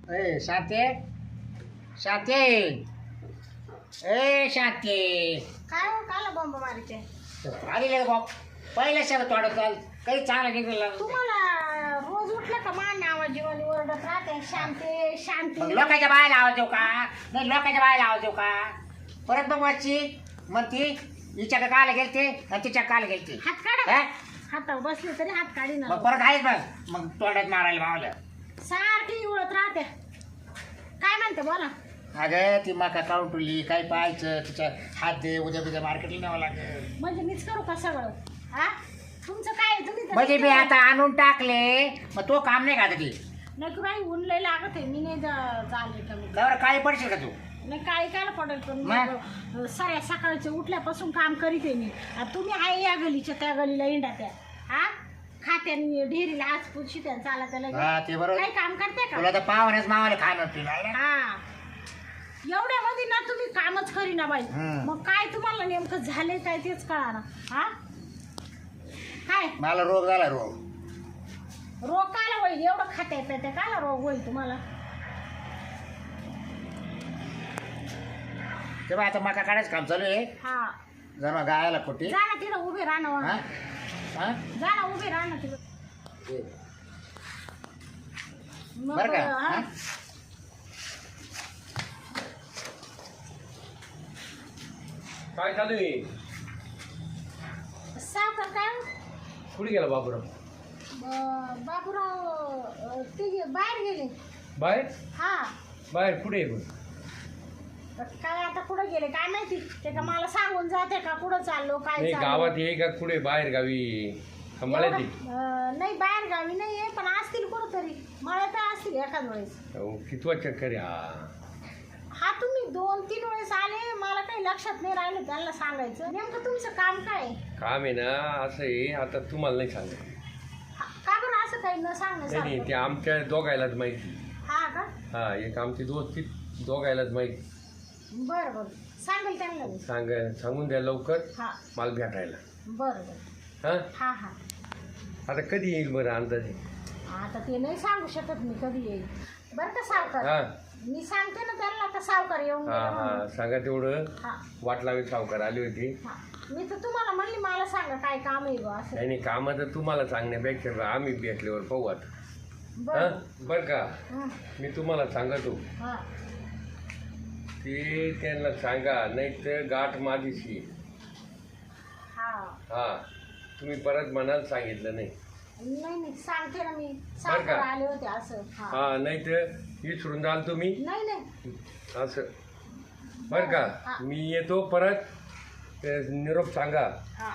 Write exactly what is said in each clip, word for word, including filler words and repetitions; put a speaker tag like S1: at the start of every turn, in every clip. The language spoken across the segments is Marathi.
S1: ए शांते शांते ए शांते
S2: काय हो काला बॉम्ब मारायचे
S1: आलेले बाप पहिल्या शब्द तोडत चाल काही चांगलं निघलं
S2: तुम्हाला रोज उठलं का मान आवाज जीवन ओरडत राहते शांती शांती
S1: मग लोकांच्या बाहेर आवाज देऊ का नाही लोकांच्या बाहेर आवाज देऊ का परत मग वाची मग ती हिच्या काला गेलते आणि तिच्या काला गेलते
S2: हात काढा हातावर बसले तरी हात काढी ना
S1: मग परत आहेच बस मग तोंडात मारायला मावलं
S2: सारखी उडत राहते काय म्हणते बोला
S1: अगं ती मका काढून ठेवली काय पाहायचं तिच्या हात दे उद्या उद्या मार्केटला न्यावं लागेल
S2: म्हणजे मीच करू का सगळं हा तुमचं काय तुम्ही तर
S1: म्हणजे मी आता आणून टाकले मग तो काम नाही का आता ती
S2: नाही तू काही ऊन लय लागत आहे मी नाही जा- चालले कमी
S1: बरं काही पडशील का तू
S2: नाही काय काय पडेल पण
S1: मग?
S2: मग सऱ्या सकाळचे उठल्यापासून काम करीत आहे मी आता तुम्ही आहे या गलीच्या त्या गलीला इंडा त्या हा खात्याने डेअरीला आज पुशी त्या चाला त्याला
S1: हा ते बरोबर
S2: काही काम करते का
S1: तुला तर पाहुण्याच मावाला खाणं पिणं
S2: हा एवढ्यामध्ये ना तुम्ही कामच करीना बाई
S1: हम्म.
S2: मग काय तुम्हाला नेमकं झाले काय तेच कळा ना हा काय
S1: मला रोग झाला रोग
S2: रोग काला होईल एवढं खात्या पित्या काला रोग होईल तुम्हाला
S1: तेव्हा आता मका काढायचं काम चालू आहे
S2: हा
S1: जरा गायला कुठे
S2: जा ना तिथं उभे राहा
S1: हा?
S2: ना
S1: हा?
S2: जा ना उभे राहा ना तिथं
S1: ये.
S2: मग
S1: बरं का
S2: हा.
S1: हा?
S3: काय चालू आहे
S2: सावकार काय हो?
S3: कुठे गेला बाबूराव
S2: ब- बाबूराव अ, ते बाहेर गेले
S3: बाहेर
S2: हा
S3: बाहेर कुठे आहे पण
S2: काय आता कुठं गेले काय माहिती ते का मला सांगून जाते का कुठं चाललो काय
S3: नाही
S2: चाललो
S3: गावात ये का कुठे बाहेर गावी सांभाळायची
S2: एवढं, अ, नाही बाहेर गावी नाही आहे पण असतील कुठं तरी मला तर असतील एखाद वेळेस
S3: कितवा चक्कर आहे हा
S2: हा तुम्ही दोन तीन वेळेस आले मला काही लक्षात नाही राहिलं त्यांना सांगायचं नेमकं तुमचं काम काय आहे?
S3: काम आहे ना असं आहे आता तुम्हाला नाही सांगत
S2: हा, का बरं असं काही न
S3: नाही नाही ते
S2: सांगण्यासारखं
S3: आमच्या दोघायलाच माहिती
S2: हा का
S3: हा एक आमची दोस्ती दोघायलाच माहिती
S2: बरं बरं सांगेल त्यांना मी
S3: सांग सांगून द्या लवकर
S2: हा
S3: मला भेटायला
S2: बरं बरं
S3: हा
S2: हा हा
S3: आता कधी येईल बरं अंदाजे
S2: आता ते नाही सांगू शकत मी कधी येईल बरं का सावकार
S3: हा
S2: मी सांगते ना त्यांना आता सावकार येऊन
S3: हा
S2: गेला म्हणून.
S3: हा सांगा तेवढं
S2: हा
S3: वाट लावी सावकार आली होती
S2: हा मी तर तुम्हाला म्हणली मला सांगा काय काम आहे बा असं
S3: नाही नाही कामं तर तुम्हाला सांगण्यापेक्षा आम्ही भेटल्यावर पाहू आता
S2: बरं
S3: हा बरं का
S2: हं,
S3: मी तुम्हाला सांगतो
S2: हा
S3: ते त्यांना सांगा नाही तर गाठ माझीशी
S2: हा
S3: हा तुम्ही परत म्हणाल सांगितलं नाही
S2: नाही नाही सांगते ना मी
S3: का?
S2: सावकार आले होते असं हा
S3: हा नाही तर विसरून जाल तुम्ही
S2: नाही नाही
S3: असं बरं का
S2: हा.
S3: मी येतो परत ते निरोप सांगा
S2: हा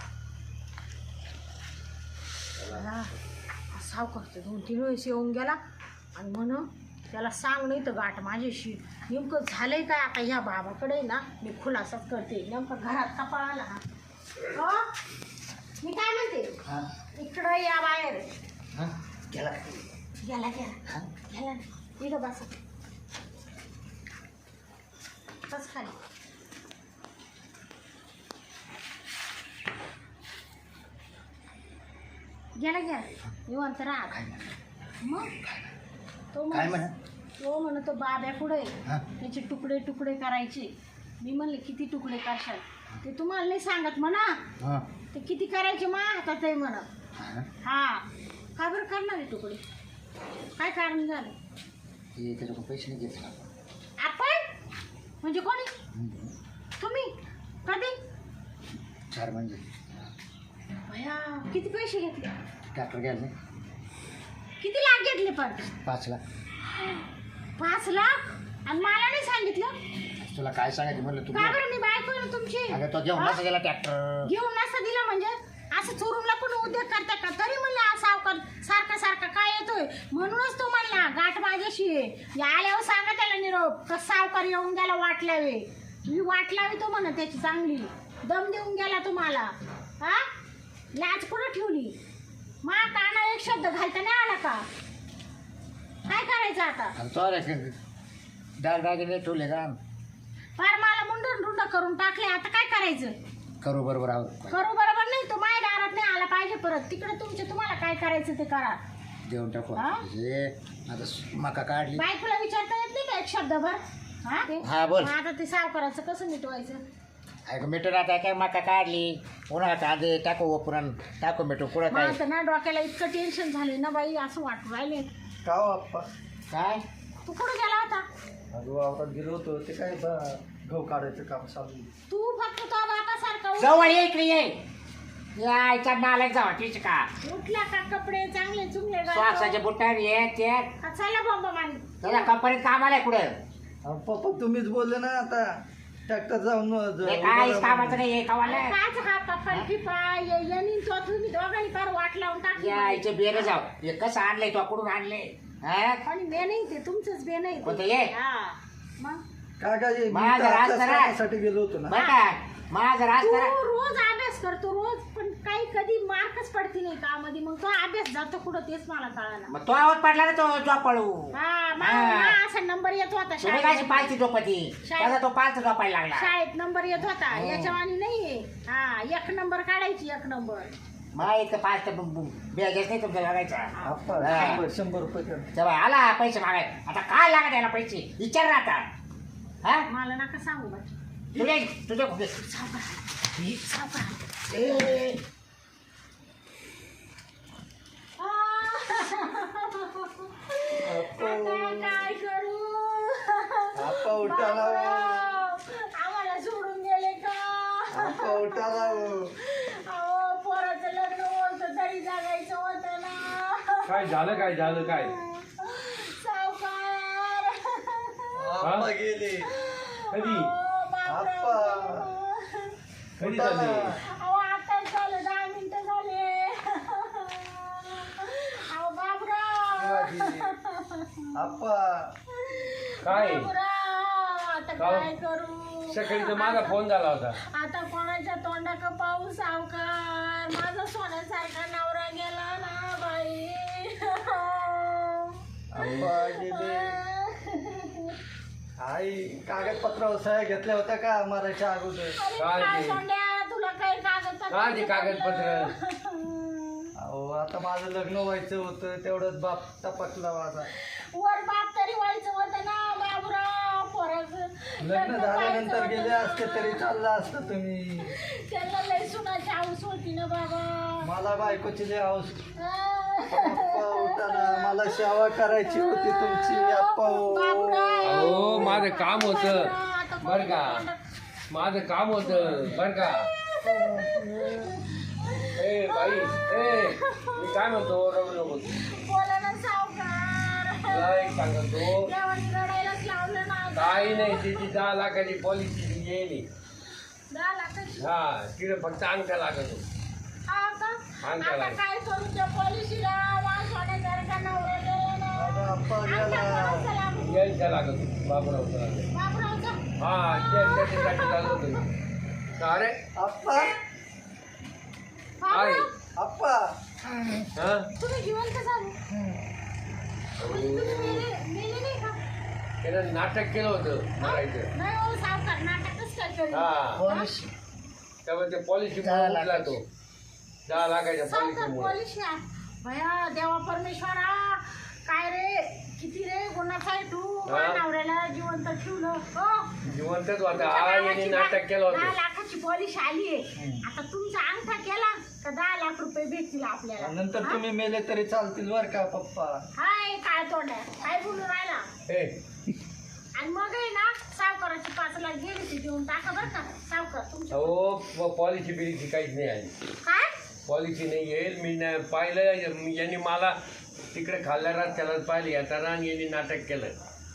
S2: हा. सावकार तर दोन तीन वेळेस येऊन गेला आणि म्हण त्याला सांग नाही तर गाठ माझ्याशी नेमकं झालंय काय आता ह्या बाबाकडे ना मी खुलासाच करते नेमकं घरात कपाळाला हा हो? मी काय म्हणते
S1: हा?
S2: इकडं या बाहेर
S1: हा? गेला
S2: गेला गेला गेला ना इथं बसा बस खाली गेला गेला निवांत राहा
S1: काय म्हणा?
S2: मग तो
S1: काय
S2: म्हण
S1: म्हणा
S2: तो म्हण तो बाब्या पुढे
S1: हा?
S2: त्याचे तुकडे तुकडे करायचे मी म्हणले किती तुकडे करशाल ते तुम्हाला नाही सांगत म्हणा
S1: हा?
S2: ते किती करायचे मा हातात आहे म्हणा
S1: हा?
S2: हा का बरं करणार आहे तुकडे काय कारण झालं
S1: हे त्याच्याकडून पैसे नाही घेतला
S2: आपण म्हणजे कोणी तुम्ही कधी
S1: चार म्हणजे
S2: भया किती पैसे घेतले
S1: ट्रॅक्टर घ्यायला नाही
S2: किती लाख घेतले पण
S1: पाच लाख
S2: पाच लाख आणि मला नाही सांगितलं
S1: तुला काय सांगायचं म्हणलं तू
S2: का बरं मी बायको आहे ना तुमची
S1: अगं तो घेऊन नसा गेला ट्रॅक्टर
S2: घेऊन नसतं दिलं म्हणजे असं चोरून लपून उद्योग करता का तरी म्हणलं हा सावकार सारखा सारखा काय येतोय म्हणूनच तो म्हणला गाठ माझ्याशी आहे. या आल्यावर सांगा त्याला निरोप का सावकार येऊन गेला वाट लावे मी वाट लावी तो म्हणा त्याची चांगली दम देऊन गेला तुम्हाला हा लाज कुठं ठेवली मा काना एक शब्द घालता नाही आला का काय करायचं आता
S1: आणि तो रे डाग डागिने ठेवले का
S2: फार मला मुंडून रुंड करून टाकले आता काय करायचं
S1: करू बरोबर आहोत
S2: करू बरोबर नाही तो माझ्या दारात नाही आला पाहिजे परत तिकडे तुमचे तुम्हाला काय करायचं ते करा
S1: देऊन टाकू
S2: हा?
S1: हे आता मका काढली.
S2: बायकोला विचारता येत नाही का एक शब्दभर हा ते
S1: हा, बोल.
S2: मग आता ते सावकाराचं कसं मिटवायचं
S1: अगं मिठून आता काय मका काढली उन्हाळ्यात कांदे टाकू ओपुरण टाकू मिठू कुठं
S2: मग
S1: काय
S2: आता ना डोक्याला इतकं टेन्शन झाले ना बाई असं वाटू राहिले
S4: का हो आप्पा?
S1: काय
S2: तू कुठं गेला होता
S4: अगं वावरात गेलो होतो ते काय बा गहू काढायचं काम चालू आहे.
S2: तू फक्त तो बापासारखा
S1: जवळ ये इकडे ये यायच्या नालायक जावा ठीक का
S2: उठला का कपडे चांगले चुंगले घालतो.
S1: श्वासाचे बुटार ये ते
S2: का चला बॉम्ब मारी
S1: त्याच्या कंपनीत कामाला आहे कुठं
S4: अहो, पप्पा तुम्हीच बोलले ना आता ट्रॅक्टर जाऊन ज-
S1: हे काहीच कामाचं नाही हे कामाला
S2: काच हा पप्पा टिपा येणी तो तुम्ही दोघांनी फार वाट लावून टाकली
S1: यायचे बेर जाव हे कसं आणलंय तो कुठून आणले
S2: आणि बे नाही ते तुमचंच बे नाही
S1: कोणतं ये?
S2: हा. मग
S4: काय काय मी
S1: माझा
S4: तर
S1: राज
S4: अभ्यास
S1: करा.
S4: करण्यासाठी गेलो होतो ना.
S1: बर का माझा राज
S2: तू
S1: करा
S2: रोज अभ्यास करतो रोज पण काही कधी मार्कच पडती नाही का मध्ये मग तो अभ्यास जातो कुठं तेच मला कळालं
S1: मग तो आवाज पडला ना तो झोपाळू
S2: हा मा-
S1: हा.
S2: मा असा नंबर येत होता
S1: तुम्ही काय
S2: शाळेत
S1: पालची झोपती त्याचा तो पालचा झोपायला लागला
S2: शाळेत नंबर येत होता
S1: हो.
S2: याच्यावानी नाहीये हा एक नंबर काढायची एक नंबर
S1: मला इतकं पाच तर बेजाच नाही तुमच्या लागायचा
S4: आप्पा
S1: हा.
S4: शंभर शंभर रुपये कर.
S1: तेव्हा आला पैसे मागाय आता काय लागत याला पैसे विचार ना आता हा
S2: मला नका सांगू बा
S1: तुझे तुझे कुठे ए,
S4: आप्पा
S2: काय करू
S4: आप्पा उठाला हो.
S2: आम्हाला सोडून गेले का
S4: आप्पा उठाला हो.
S2: अहो पोराचं लग्न होतं तरी जगायचं होतं ना
S3: काय झालं काय झालं काय
S2: सावकार
S4: आप्पा गेले
S3: कधी
S4: आप्पा
S3: कधी झाले
S2: अहो आता झालं दहा मिनिटं झाले अहो बाबराव
S4: आप्पा
S3: काय
S2: बाबराव आता
S3: का?
S2: काय करू
S3: सकाळी तर माझा फोन झाला होता
S2: आता कोणाच्या तोंडाक पाहू सावकार माझा सोन्यासारखा नवरा गेला ना बाई
S4: आप्पा गेले आई कागदपत्रावर सह्या घेतल्या होत्या का मारायच्या अगोदर
S2: अरे
S3: काय
S2: काय
S3: ते?
S2: सोंड्या तुला काही कागदपत्र
S3: काय ते कागदपत्र?
S4: अहो आता माझं लग्न व्हायचं होतं तेवढंच बाप टपकला माझा
S2: वर बाप तरी व्हायचं होतं ना बाबूराव पोराचं
S4: लग्न झाल्यानंतर
S2: व्हायचं
S4: गेले
S2: होतं.
S4: असते तरी चाललं असतं तुम्ही
S2: त्याला लय सुनाची हाऊस होती ना बाबा
S4: मला बायकोची लय हौस अप्पा उठाना मला सेवा करायची होती तुमची अप्पा हो.
S3: अहो माझं काम होतं बर का माझं काम होतं बर का ए बाई ए मी काय म्हणतो रडू नको
S2: बोला ना सावकार
S3: तुला एक सांगतो
S2: देवाने रडायलाच लावलं ना
S3: काही नाही त्याची दहा लाखाची पॉलिसी येईल
S2: दहा लाखाची
S3: हा तिकडे फक्त अंगठा लागतो
S2: हा का?
S3: अंगठा
S2: आता
S3: लागतो
S2: काय करू त्या पॉलिसीला वास होण्यासारखा नवरा गेला ना.
S4: अगं अप्पा
S2: अंगठा
S4: गेला
S2: कोणाचा लागू?
S3: यांचा लागतो बाबूरावचा लागतो
S2: बाबूरावचा?
S3: हा त्या- त्याच्यासाठी चालू होतं अरे
S4: अप्पा
S3: काय
S2: बाबूराव,
S4: अप्पा
S3: हा
S2: तुम्ही जिवंत झाले म्हणजे तुम्ही मेले मेले नाही का
S3: त्यानं नाटक केलं होतं मारायचं
S2: नाही हो सावकार नाटकच काय करू
S3: हा
S4: पॉलिसी
S3: त्यामुळे ते पॉलिसी
S1: दहा
S3: उठला तो दहा लाखाच्या
S2: सावकार
S3: पॉलिसीमुळे
S2: पॉलिसी आहे भया देवा परमेश्वरा काय रे किती रे गुन्हाचा आहे तू
S3: हा.
S2: माझ्या नवऱ्याला जिवंत ठेवलं हो
S3: जिवंतच होता
S2: तुमच्या
S3: हा यांनी
S2: नावाची
S3: नाटक केलं
S2: दहा
S3: होतं
S2: लाखाची पॉलिसी आली आहे आता तुमचा अंगठा केला तर दहा लाख रुपये भेटतील आपल्याला
S4: नंतर
S2: हा?
S4: तुम्ही मेले तरी चालतील बर का पप्पा
S2: हाय काय तोंड आहे काय बोलून राहिला
S3: ए
S2: आणि मग आहे ना सावकाराची पाच लाख गेली ती देऊन टाका बरं का सावकार तुमच्या
S3: अहो पॉलिसी बिलिसी काहीच नाही आली
S2: काय
S3: पॉलिसी नाही येईल मी न- पाहिलं यांनी मला तिकडे खाल्ल्या रस्त्याला पाहिलं येताना आणि यांनी नाटक केलं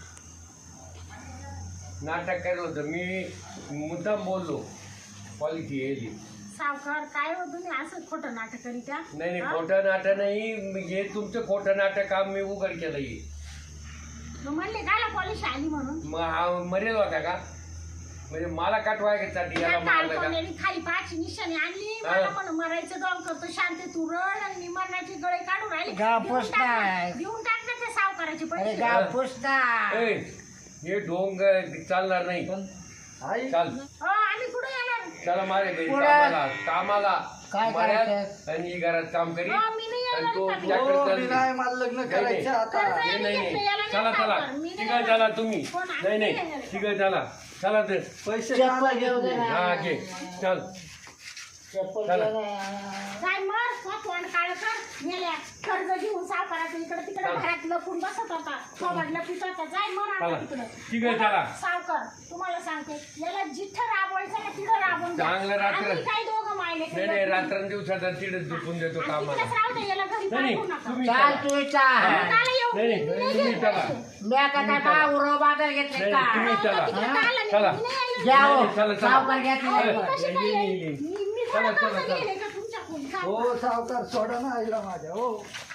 S3: नाटक केलं होतं मी मुद्दाम बोललो पॉलिसी येईल
S2: सावकार काय हो तुम्ही असं खोटं नाटक करीत्या
S3: नाही नाही
S2: हा?
S3: खोटं नाटक नाही हे तुमचं खोटं नाटक काम मी उघड केलं हे
S2: मग म्हणले काय पॉलिसी आली म्हणून
S3: मग हा मरेल होता का म्हणजे मला काटवायसाठी याला
S2: या
S3: मारलं का
S2: काळकोंड्याने खाली पाचची निशाणी आणली
S3: हा.
S2: मला म्हणून मरायचं डॉल करतो शांती तू रड आणि मी मरणाची गळे काढून राहिली
S1: गाव
S2: देऊन
S1: पोस्ट
S2: टाक ना-
S1: नाही.
S2: देऊन टाक ना त्या सावकाराचे
S1: अरे
S2: पैसे
S1: गाव पुसता
S3: ए, हे ढोंग चालणार नाही
S4: पण आई
S3: चाल
S2: हो आम्ही कुठे येणार
S3: चला मारे घरी
S1: पुढं.
S3: कामाला कामाला
S1: काय
S3: मळ्यात
S1: करायचं?
S3: आणि घरात काम करी
S2: हो मी नाही
S3: आणि आणि तो
S2: कर्ज
S3: ट्रॅक्टर
S4: हो, मी
S3: चालली.
S4: नाही मला लग्न
S3: नाही,
S4: करायचं आता
S2: कर्ज-
S3: नाही नाही
S2: घेतलं,
S3: नाही
S2: याला नाही
S3: चला चला
S2: सावकार, मी नाही
S3: तिघं चला
S2: देणार.
S3: तुम्ही
S2: कोण आहे?
S3: नाही
S2: नाही
S3: नाही
S2: देणार.
S3: तिघं चला चला तर
S4: पैसे
S1: चप्पल
S4: काला
S1: घेऊ दे
S4: घेतले
S1: ना.
S3: हा घे चल
S1: चप्पल
S3: चला.
S1: घे ना.
S2: जाय मर तो तोंड काळ कर मेल्या कर्ज घेऊन सावकाराचं इकडे तिकडे
S3: चला.
S2: घरात लपून बसत होता थोबड लपित होता जाय मर
S3: चला.
S2: आता तिकडे
S3: ठीक आहे, चला.
S2: सावकार तुम्हाला सांगते याला जिथं राबवायचं ना तिथं राबवून द्या.
S3: चांगलं रात्र-
S2: आम्ही काय दोघं मायले
S3: नाही नाही रात्रंदिवसाचा तिकडेच झोपून देतो कामाला
S2: राहू दे याला घरी
S3: नाही नाही
S2: पाठवू नका
S3: तुम्ही
S1: चाल
S3: चला.
S1: तू चाल
S2: काला येऊ
S3: नाही, नाही,
S2: मी नाही
S3: तुम्ही
S2: घेत
S3: चला.
S2: पैसे.
S1: मी आता काय बा उरो बाजार घेतले
S3: नाही,
S1: का
S3: तुम्ही चला.
S2: तिकडे काला नाही,
S3: चला.
S2: मी नाही आले.
S1: घ्या हो.
S3: नाही, चला, चला.
S1: सावकार घेतले
S2: अहो,
S1: नाही.
S2: मी कशी काय
S3: ये, ये,
S2: येईल?
S3: ये.
S2: मी- मी
S3: चला,
S2: थोडं
S3: चला,
S2: कर्ज
S3: चला.
S2: घेले का तुमच्याकडून?
S4: हो सावकार सोडा ना आईला माझ्या हो